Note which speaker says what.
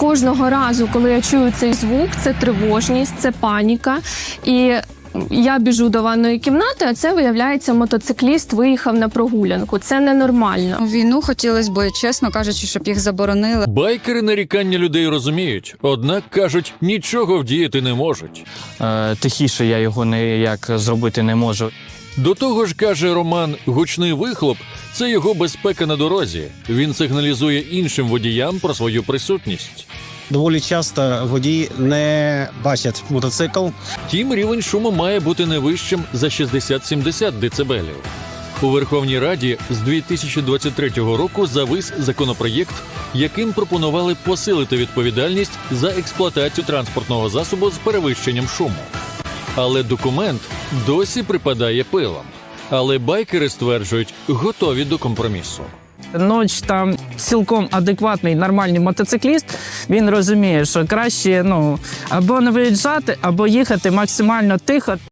Speaker 1: кожного разу, коли я чую цей звук, це тривожність, це паніка. І я біжу до ванної кімнати, а це, виявляється, мотоцикліст виїхав на прогулянку. Це ненормально.
Speaker 2: Війну хотілося б, чесно кажучи, щоб їх заборонили.
Speaker 3: Байкери нарікання людей розуміють, однак, кажуть, нічого вдіяти не можуть.
Speaker 4: Тихіше я його ніяк зробити не можу.
Speaker 3: До того ж, каже Роман, гучний вихлоп – це його безпека на дорозі. Він сигналізує іншим водіям про свою присутність.
Speaker 5: Доволі часто водії не бачать мотоцикл.
Speaker 3: Втім, рівень шуму має бути не вищим за 60-70 децибелів. У Верховній Раді з 2023 року завис законопроєкт, яким пропонували посилити відповідальність за експлуатацію транспортного засобу з перевищенням шуму. Але документ досі припадає пилом. Але байкери стверджують, готові до компромісу.
Speaker 6: Ноч там цілком адекватний, нормальний мотоцикліст, він розуміє, що краще або не виїжджати, або їхати максимально тихо.